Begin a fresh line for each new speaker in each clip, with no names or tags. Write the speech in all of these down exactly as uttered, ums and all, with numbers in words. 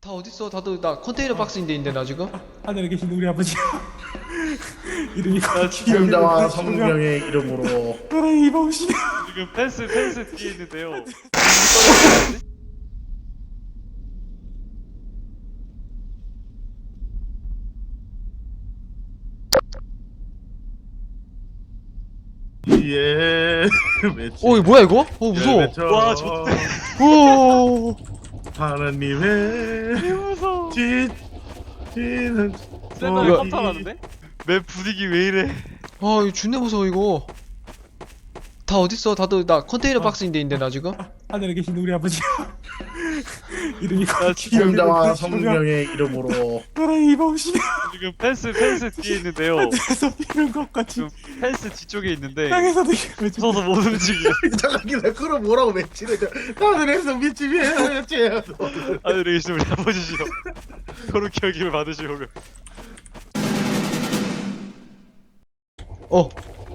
다 어딨어? 다들 나 컨테이너 박스인데 있는데 나 지금?
하늘에 계신 우리 아버지 이름이
성자와 성령의 이름으로
나라의 이방신이야.
지금 펜스 펜스 뒤에 있는데요.
예 외치
어 이거 뭐야 이거? 어 무서워.
외쳐
와, 좋대.
오.
하나님의
무서워.
지 지는
샌드가
이거-
깜짝 놀랐는데? 맵 분위기 왜 이래?
아 이거 존나 무서워 이거. 다 어딨어? 다들 나 컨테이너 박스인데 있는데 나 지금?
하늘에 계신 우리 아버지 이름이
성자와 성령의 이름으로
나라의 이방신이야.
지금 펜스 펜스 뒤에 있는데요.
하늘에서 이런 것 같이
지금 펜스 뒤쪽에 있는데
땅에서도 왜
무서워서 못 움직여.
잠깐 기다려. 그럼 뭐라고 외치래? 하늘에서 빛이 외치야.
하늘에 계신 우리 아버지시여, 거룩히 여김을 받으시오며.
어.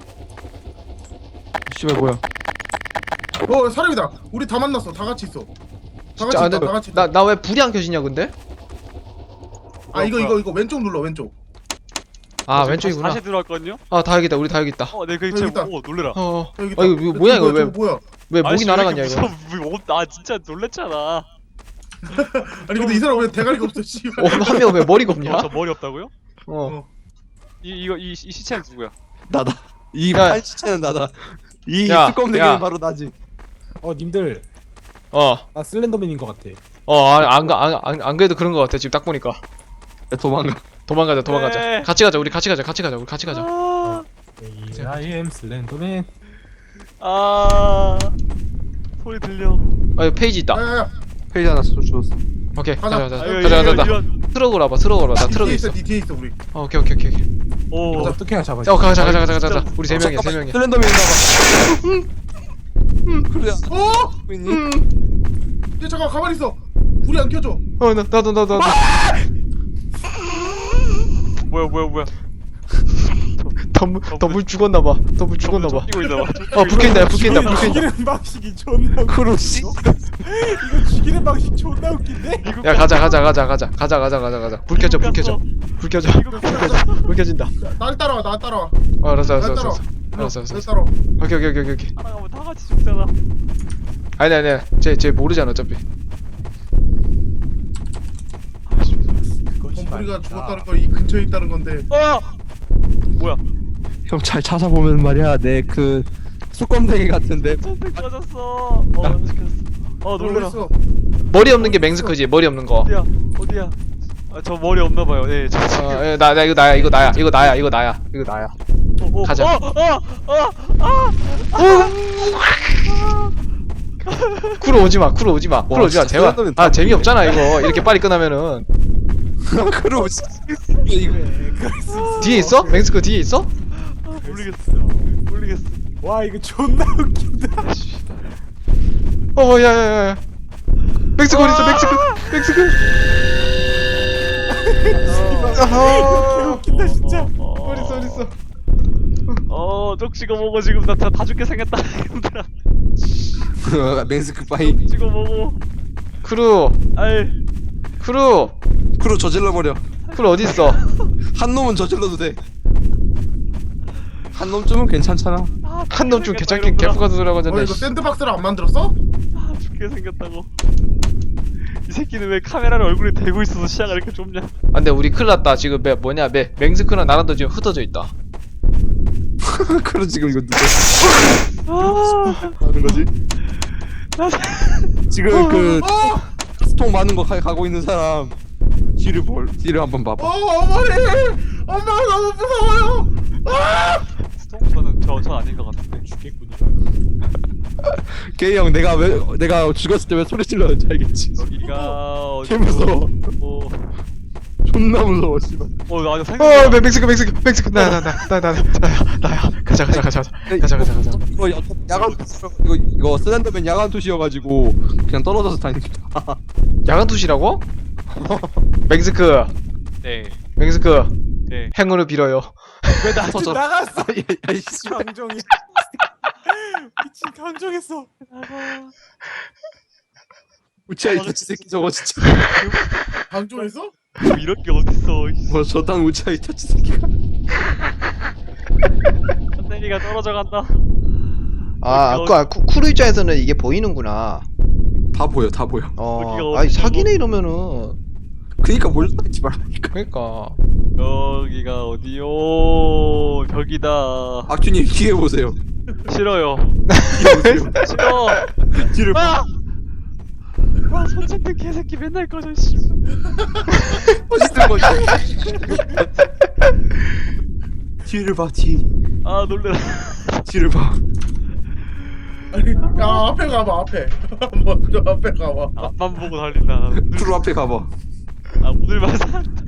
씨발 뭐야?
어 사람이다. 우리 다 만났어. 다 같이 있어. 다 같이
자,
있다. 다 같이 있다.
나나 왜 불이 안 켜지냐 근데?
아 이거 이거 이거 왼쪽 눌러 왼쪽.
아
지금
왼쪽이구나.
다시 들어왔거든요?
아 다 여기 있다. 우리 다 여기 있다.
어, 네, 그
여기
지금
있다.
오 놀래라.
어. 어.
여기
아 이거, 이거 뭐야 이거 왜?
저거 뭐야?
왜 목이
아저씨, 왜
날아갔냐
이렇게
이거?
무서워. 뭐, 나 진짜 놀랬잖아.
아니 근데 이 사람 왜 대가리가 없어? 씨발.
어, 한 명 왜 머리가 없냐?
어, 저 머리 없다고요?
어.
이 이거 이, 이 시체는 누구야?
나다. 이
야.
팔찌차는 나다. 이
야,
뚜껑
야.
대기는 바로 나지.
어 님들
어.
나 슬렌더맨인 것 같아.
어, 안안안 안, 안 그래도 그런 거 같아. 지금 딱 보니까.
야, 도망가.
도망가자, 도망가자.
네.
같이 가자. 우리 같이 가자. 같이 가자. 우리 같이 가자.
아,
I am 슬렌더맨.
아 소리 들려.
아, 여기 페이지 있다.
야야야.
페이지 하나 줘- 줬어.
오케이.
가자.
가자, 가자.
아유,
가자, 가자,
이거,
가자.
이거.
트럭으로 와봐. 트럭으로 와봐. 나 트럭에
뒤에
있어.
있어. 뒤 뒤에 있어 우리.
어, 오케이, 오케이, 오케이. 오케이.
오.
어떻게 하나 잡아.
자, 어, 가자, 가자, 가자, 가자, 가자. 우리 세 명이야, 세 명이야.
슬렌더맨 나와. 그래.
어?
보이니?
야 잠깐 가만히 있어. 불이 안 켜져.
어, 나 나도 나도 나도.
뭐야 뭐야 뭐야.
더물 더물 죽었나 봐. 더물 죽었나 봐.
뛰고 있나 봐.
어, 불 켜진다. 불 켜진다. 불 켜진다.
죽이는 방식이 존나 웃겨.
크루시.
이거 죽이는 방식 존나 웃긴데?
야, 가자, 가자, 가자, 가자. 가자, 가자, 가자, 가자. 불 켜져. 불 켜져. 불 켜져. 불 켜져. 불 켜진다.
날 따라와. 날 따라와.
어, 알았어, 알았어,
날
알았어.
따라와.
알았어, 알았어.
날
알았어.
따라와.
오케이, 오케이, 오케이, 오케이.
따라가면 다 같이 죽잖아.
아니, 아니, 아니. 쟤, 쟤 모르잖아, 어차피.
범부리가 죽었다는 거 이 근처에 있다는 건데.
아 뭐야?
형 잘 찾아보면 말이야. 내 그 뚜껑대기 같은데.
선택 맞았어. 어 시켰어. 어 놀래라.
어딨어?
머리 없는 게 맹스크지. 머리 없는 거.
어디야 어디야? 아 저 머리 없나 봐요. 예, 저 지금.
어, 예, 나, 나 이거 나야. 이거 나야. 이거 나야. 이거 나야. 이거 나야.
어, 어,
가자.
어, 어, 어, 아,
쿠로 오지 마. 쿠로 오지 마. 쿠로 오지 마.
진짜
제발.
샌드맨
아,
다
재미없잖아, 이거. 이렇게 빨리 끝나면은.
크루시. 이거
뒤에 있어? 맹스크 뒤에 있어?
모르겠어. 모르겠어.
와 이거 존나 웃긴다.
어, 야, 야, 야. 맹스크 어디 있어? 맹스크. 맹스크.
개 웃긴다 진짜.
어디 있어? 어디 있어?
어, 쪽지가 뭐고 지금 나 다 죽게 생겼다. 얘들아.
맹스크 파이.
찍어 보고.
크루.
아이,
크루.
크루 저질러 버려.
크루 어디 있어?
한 놈은 저질러도 돼. 한 놈쯤은 괜찮잖아.
아,
한 놈 좀
죽게
개찮게
생겼다,
개fu가 들어가잖
어
네
이거 샌드박스를 안 만들었어?
이러더라. 아, 죽게 생겼다고. 이 새끼는 왜 카메라를 얼굴에 대고 있어서 시야가 이렇게 좁냐?
아, 근데 우리 큰일 났다. 지금 매, 뭐냐, 매, 맹스크랑 나랑도 지금 흩어져 있다.
크루 지금 이거 누구
아,
하는 거지? 지금 그
어!
스톡 많은 거 가, 가고 있는 사람 뒤를 볼 뒤를 한번
어
봐봐.
어머니! 엄마 너무 무서워요!
스톰보다는 저, 저 아닌 것 같은데.
죽겠군 이거.
게이 형 내가 왜 내가 죽었을 때 왜 소리 질렀는지 알겠지?
여기가 어디?
개 무서워.
어,
존나 무서워 씨발.
어, 나
어,
생각.
맹- 맹스크, 맹스크, 맹스크. 나야, 나, 나, 나, 나, 나야, 나야. 가자, 가자, 가자, 가자. 가자, 가자, 가자.
이거 야- 야간 투시 이거 이거 슬렌더맨 야간 투시여가지고 그냥 떨어져서 다니니까.
야간 투시라고? 맹스크,
네,
맹스크.
네.
행운을 빌어요.
왜 나 터져?
나갔어.
야이 씨.
강정이. 미친 강정했어.
우치야 이 새끼 저거 진짜.
방종했어?
뭐 이런 게 어딨어. 이씨.
뭐 저딴 우차이 터치 새끼가.
컨테이너가 떨어져 간다.
아
여기가
아까 쿠- 쿠루 입장에서는 이게 보이는구나.
다 보여 다 보여.
어
여기가
아니
어디냐고?
사기네 이러면은.
그니까 몰라하지 말라니까.
그러니까
여기가 어디요? 벽이다.
악주님 뒤에 보세요.
싫어요.
뒤에 보세요.
싫어.
뒤를 봐.
아! 와 손짓는 개새끼 맨날 꺼져 씨.
멋있는 거지. 뒤를 봐 뒤.
아 놀래라.
뒤를 봐.
아니 야 앞에 가봐 앞에. 먼저 앞에 가봐.
앞만 보고 달린다.
프로 앞에 가봐.
아 오늘만 산다.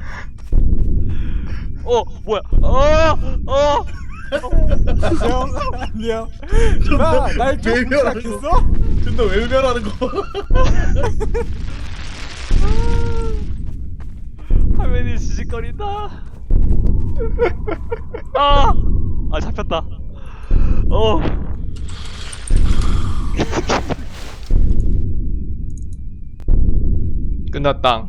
어 뭐야? 어 어.
안녕. 안녕. 나날 좀
외면하는
시작했어?
근데 외면하는 거.
화면이 지직거린다. 아, 아 잡혔다. 어.
끝났다.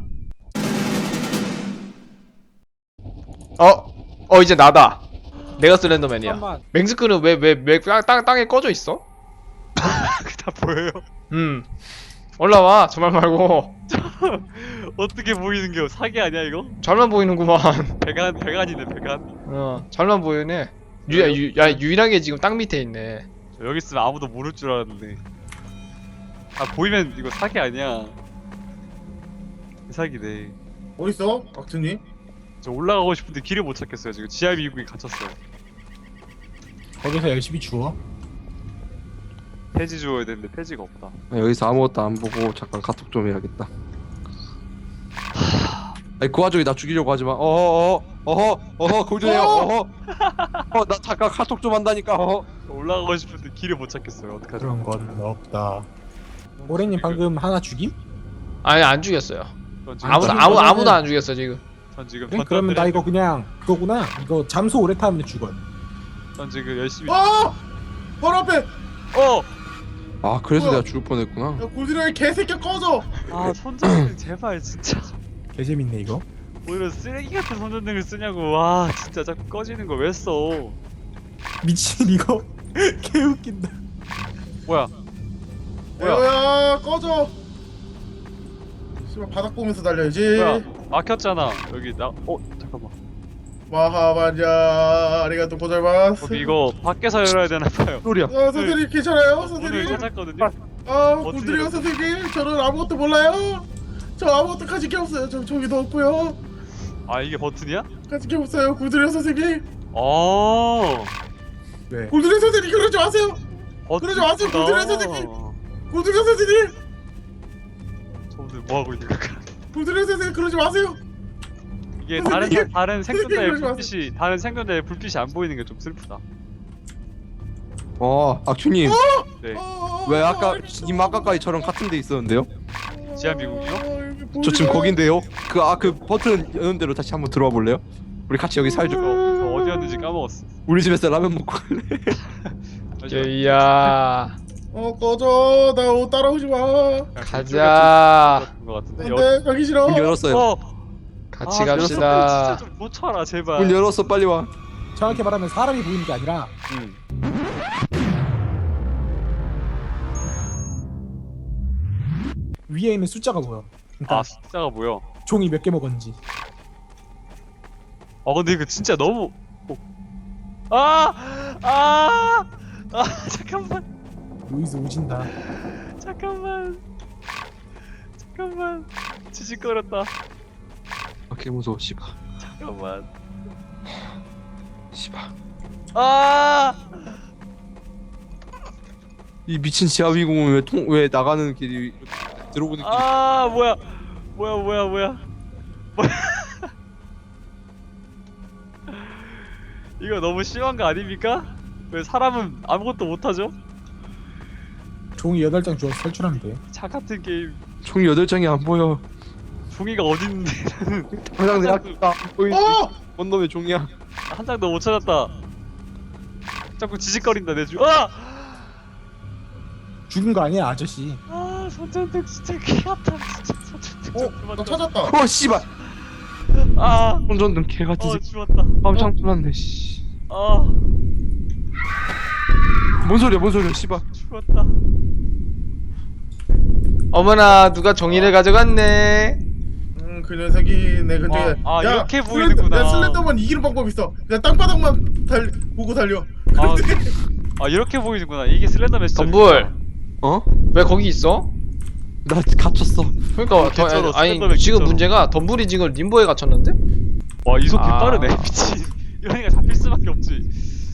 어? 어 이제 나다. 내가 슬렌더맨이야.
잠깐만.
맹스크는 왜왜왜 땅 땅에 꺼져 있어?
다 보여요.
음. 올라와. 저 말 말고.
어떻게 보이는겨? 사기 아니야 이거?
잘만 보이는구만.
배간 배간이네 배간.
어, 잘만 보이네. 유, 야, 유, 야, 유일하게 지금 땅 밑에 있네.
저 여기 있으면 아무도 모를 줄 알았는데. 아 보이면 이거 사기 아니야. 사기네.
어딨어 박준이?
저 올라가고 싶은데 길을 못 찾겠어요. 지금 지하 미국에 갇혔어요.
거기서 열심히 주워.
폐지 주워야 되는데 폐지가 없다.
여기서 아무것도 안 보고 잠깐 카톡 좀 해야겠다. 아니 그 와중에 나 죽이려고 하지마. 어허 어허 어허 골드네요. 어허 어나 잠깐 카톡 좀 한다니까. 어허
올라가고 싶은데 길을 못 찾겠어요. 어떡하죠?
그런 건 없다. 오래님 방금 하나 죽임?
아니, 안 죽였어요.
전 지금
아무도,
지금
아무,
거는-
아무도 안 죽였어, 지금.
전 지금
그래, 그러면 나
전단들의-
이거 그냥 그거구나. 이거 잠수 오래 타면 죽어요.
전 지금 열심히.
아! 바로 앞에.
어.
아 그래서
뭐야?
내가 죽을 뻔했구나.
야 골드라이 개새끼 꺼져.
아 손전등 제발 진짜.
개재밌네 이거.
오히려 쓰레기 같은 손전등을 쓰냐고. 와 진짜 자꾸 꺼지는 거 왜 써?
미친 이거 개 웃긴다.
뭐야? 뭐야?
에어야 꺼져. 씨발 바닥 보면서 달려야지.
뭐야? 막혔잖아. 여기 나. 어 잠깐만.
마하반자 아리가또 고자이마스.
저기 이거 밖에서 열어야 되나 봐요.
소리야.
아 선생님 괜찮아요
오늘
선생님?
찾았거든요.
아
어떻게
골드라이
해요?
선생님 저는 아무것도 몰라요. 저 아무것도 가진 게 없어요. 저 저기도 없고요.
아 이게 버튼이야?
가진 게 없어요. 골드라이 선생님.
어.
왜?
골드라이 선생님 그러지 마세요. 그러지 마세요,
버튼이구나.
골드라이 선생님. 골드라이 선생님.
저분들 뭐 하고 있는 걸까?
골드라이 선생님 그러지 마세요.
이게
선생님,
다른 사- 다른 생존자의
그러지 마세요.
불빛이 다른 생존자의 불빛이 안 보이는 게 좀 슬프다.
어 악주님
네.
아,
왜 아까
아,
님 아까까지처럼 같은 데 있었는데요?
지하 미국이요?
아, 여기
저 지금
보이나?
거긴데요. 그 아 그 버튼 여는 대로 다시 한번 들어와 볼래요? 우리 같이 여기 살죠.
저, 저 어디였는지 까먹었어.
우리 집에서 라면 먹고 갈래?
게이야.
어 꺼져. 나 옷 따라오지 마.
가자.
것 같은데.
안돼 가기 싫어.
문 열었어요.
어.
같이
아,
갑시다.
진짜 좀 고쳐라 제발.
문 열었어 빨리 와.
정확히 말하면 사람이 보이는 게 아니라
응.
위에 있는 숫자가 보여. 그러니까
아 숫자가 뭐야?
종이 몇 개 먹었는지.
아 근데 이거 진짜 너무. 어. 아! 아! 아 잠깐만.
루이스 오진다.
잠깐만. 잠깐만. 지직거렸다.
아 개무서워 씨발.
잠깐만.
씨발.
아!
이 미친 지하비공은 왜 통 왜 나가는 길이 이렇게 들어오는 길이
아 뭐야? 뭐야 뭐야 뭐야? 뭐야? 이거 너무 심한 거 아닙니까? 왜 사람은 아무것도 못하죠?
종이 여덟 장 주워서 탈출하면 돼.
차 같은 게임.
총이 여덟 장이 안 보여.
종이가 어딨는데 나는
당장 내 앞에 안 보이지.
어!
뭔 놈의 종이야?
한 장도 못 찾았다. 자꾸 지직거린다 내 주. 아!
죽은 거 아니야 아저씨.
아 손전등 진짜 개 아파 진짜 손전등.
어? 나 찾았다.
어 씨발.
아,
운전등 개 같은
어
새끼.
죽었다.
깜짝 놀랐네 씨.
아,
뭔 소리야 뭔 소리야 씨발.
죽었다.
어머나 누가 종이를 가져갔네.
음, 그 녀석이 내 근처에.
아, 아,
야,
이렇게
슬렌더-
보이는구나.
야, 슬렌더만 이기는 방법 있어. 그냥 땅바닥만 달 보고 달려.
아, 아 이렇게 보이는구나. 이게 슬렌더맨 시점.
덤불
어?
왜 거기 있어?
나 갇혔어.
그러니까
어,
더,
개쩔어,
아니
슬렌더맨
지금
개쩔어.
문제가 덤불이 지금 림보에 갇혔는데?
와, 이속 개
아.
빠르네. 미친. 이런 애가 잡힐 수밖에 없지.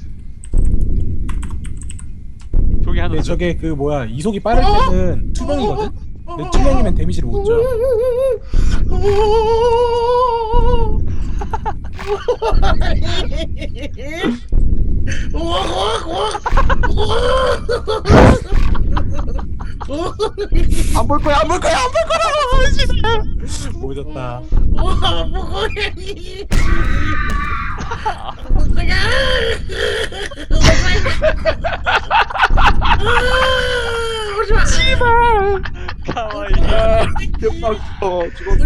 저기 하나.
근데 저게 그 뭐야 이속이 빠를 때는 투명이거든. 근데 투명이면 데미지를 못 줘.
안 볼 거야 안 볼 거야 안 볼 거야.
보여줬다.
가와이.
어 죽었어.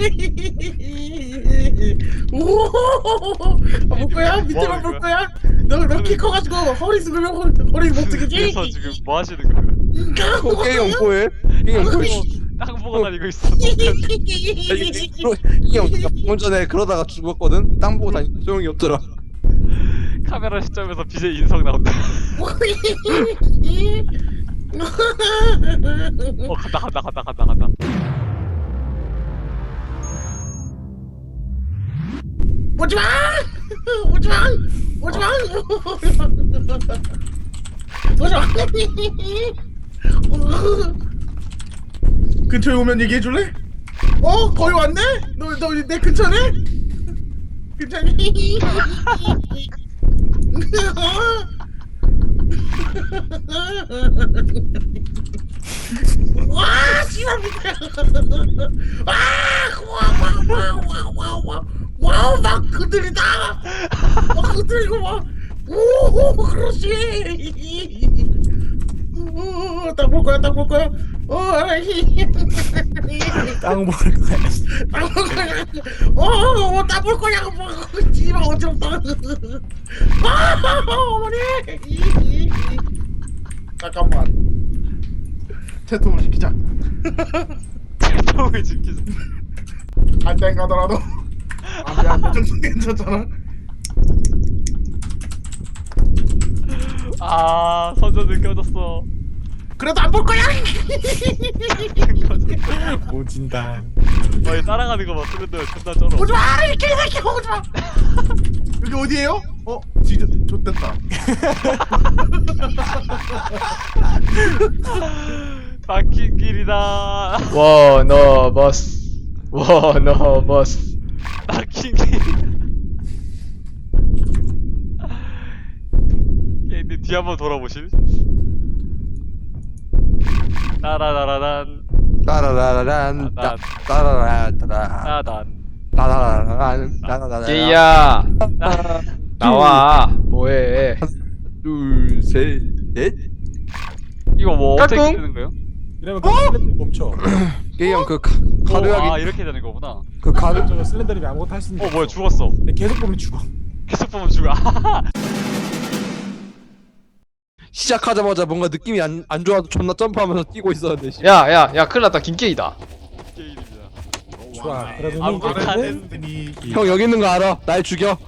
볼 거야? 밑에만 볼 거야? 너너키 커가지고 허리 숙으면 허리, 허리 못 쓰겠지?
그래서 지금 뭐 하시는 거예요?
어, 게임 공포해. 게임 공포해.
땅 보고 다니고 있어.
형 방금 전에 그러다가 죽었거든. 땅 보고 다니 소용이 없더라.
카메라 시점에서 비제이 인성 나온다. 어, 간다 간다 간다 간다 간다.
오지마! 오지마! 오지마! 오지마! 근처에 오면 얘기해 줄래? 어? 거의 왔네? 너 너 내 근처네? 근처니? 와, 씨발 밑에. 아, 와와와와와와 와우, 막 흔들리다. 막 흔들리고 막. 오, 그렇지. 오, 딱볼 거야, 딱 볼 거야. 어, 아이.
땅 보는 거야.
딱볼 거야. 어, 딱볼 거야. 뭐, 씨발 어지럽다. 아, 어머니. 잠깐만. 채통을 시키자.
통을 지키자.
안돼 가더라도 안돼 안돼 정도 괜찮잖아.
아, 선전 느껴졌어.
그래도 안 볼 거야.
느껴졌어.
오진다.
와, 얘 따라가는 거 봐. 슬렌더 존나 쩔어.
오지 마, 이 개새끼 오지 마. 여기 어디예요? 어, 진짜 좋댔다.
막힌 길이다.
워너버스 워너버스.
막힌 길. 얘들 뒤 한번 돌아보실? 따라라라란
따라라란 따- 따라라따라
따단
따라라란 따라라란.
게이야 나와. 뭐해?
둘셋넷.
이거 뭐 어떻게
까꿍?
되는 거예요?
이러면 그 슬렌더 멈춰.
게이 형그
오, 아
가루약이
이렇게 되는 거구나.
그 가루
저거 슬렌더님이 아무것도 할 수 있는.
어
게
뭐야
없어.
죽었어.
근데 계속 보면 죽어.
계속 보면 죽어.
시작하자마자 뭔가 느낌이 안, 안 좋아서 존나 점프하면서 뛰고 있었는데 씨.
야야 야 큰일 났다. 김게이다.
게임입니다.
좋아. 그러더니
아무것도 안
이제는
했더니
형 여기 있는 거 알아. 날 죽여.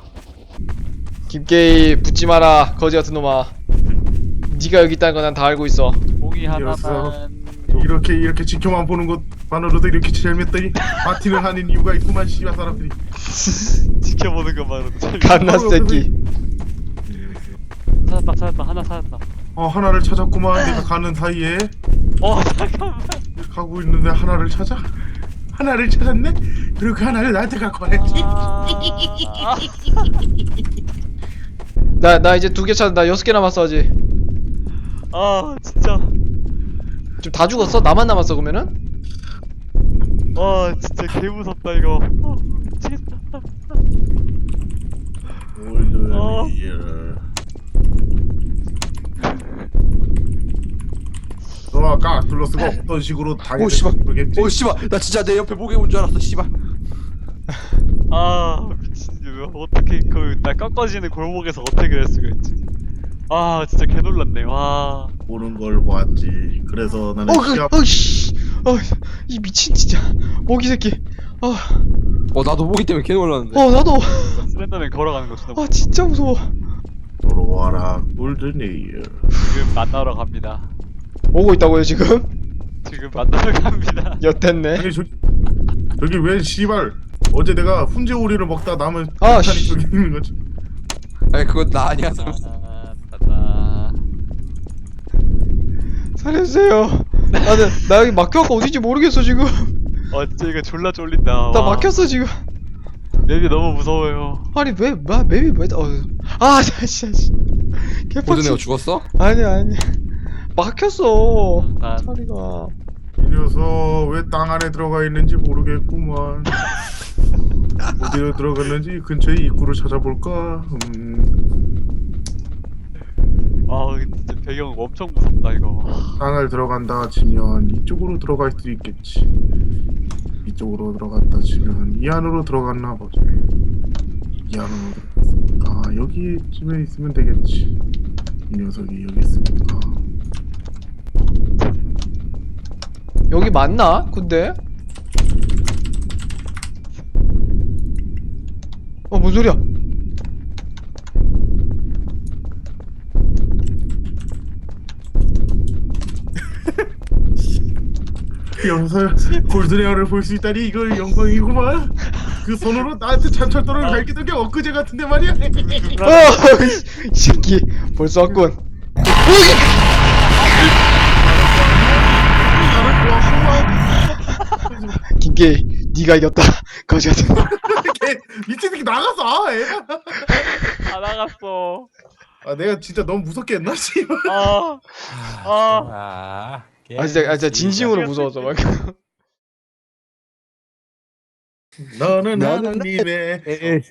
김게이 붙지 마라. 거지 같은 놈아. 네가 여기 있다는 거 난 다 알고 있어.
공이
이랬어.
하나만.
이렇게 이렇게 지켜만 보는 것만으로도 이렇게 재밌더니 파티를 하는 이유가 있구만 씨발 사람들이.
지켜보는 것만으로도 재밌.
갓나 새끼.
찾았다 찾았다 하나 찾았다.
어, 하나를 찾았구만. 내가 가는 사이에
어 잠깐만.
가고 있는데 하나를 찾아? 하나를 찾았네? 그리고 그 하나를 나한테 갖고 와야지.
아,
나 나 이제 두 개 찾. 나 여섯 개 남았어 아직.
아 진짜.
지금 다 죽었어? 나만 남았어 그러면은?
와 진짜 개 무섭다 이거. 어, 미치겠다. 어.
너 아까 아틀러스가 어떤 식으로
오 씨발
당했지?
오 씨발 나 진짜 내 옆에 목에 온 줄 알았어 씨발.
아 미친 왜 어떻게 그나 꺾어지는 골목에서 어떻게 그럴 수가 있지. 아 진짜 개 놀랐네. 와.
보는 걸 보았지. 그래서 나는
어, 그,
시합
어, 씨. 어, 이 미친 진짜. 모기 새끼. 어,
어 나도 모기 때문에 개 놀랐는데.
어, 나도.
슬렌더맨 걸어가는 거 존나
아, 진짜 무서워.
돌아와라 골든에이어.
지금 만나러 갑니다.
오고 있다고요, 지금?
지금 만나러 갑니다.
엿됐네.
아니 저기 저기 왜 씨발 어제 내가 훈제오리를 먹다 남은
아,
탄이
씨.
저기 있는 거지.
아니 그건 나 아니야.
아, 따다.
살려주세요. 나는, 나 여기 막혀갖고 어딘지 모르겠어, 지금.
어째 이거 졸라 쫄린다.
나
와.
막혔어, 지금.
맵이 너무 무서워요.
아니, 왜, 마, 맵이 왜, 어, 아, 자, 진짜, 씨.
고전애가
개빡치.
죽었어?
아니야, 아니야. 막혔어.
난
자리가.
이 녀석 왜 땅 안에 들어가 있는지 모르겠구만. 어디로 들어갔는지 근처에 입구를 찾아볼까? 음,
아 진짜 배경 엄청 무섭다 이거.
땅을 들어간다 치면 이쪽으로 들어갈 수 있겠지. 이쪽으로 들어갔다 치면 이 안으로 들어갔나 보지. 이 안으로 들어갔으니까 여기쯤에 있으면 되겠지. 이 녀석이 여기 있으니까.
여기 맞나? 근데? 어, 뭔 소리야?
여기서 골드레어를 볼 수 있다니 이거 영광이구만. 그 손으로 나한테 찬철도를 갈기던 게 엊그제 같은데 말이야.
어, 이 새끼. 벌써 왔군.
나를 좋아하구만.
김게이, 네가 이겼다. 거지 같은.
걔 미친 새끼 나가서 아 애가.
다 나갔어.
아 내가 진짜 너무 무섭게 했나 씨발.
아. 아.
아,
아, 진짜, 아, 진짜 진심으로 무서웠어, 막.
너는
나는
하나님의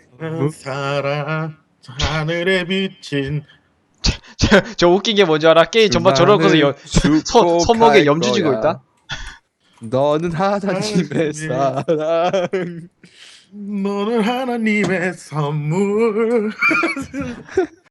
사랑 하늘에 비친.
저, 저 웃긴 게 뭔지 알아? 게임 전반 저러고서 여, 손, 손목에 염주 쥐고 있다?
너는 하나님의 사랑.
너는 하나님의 선물.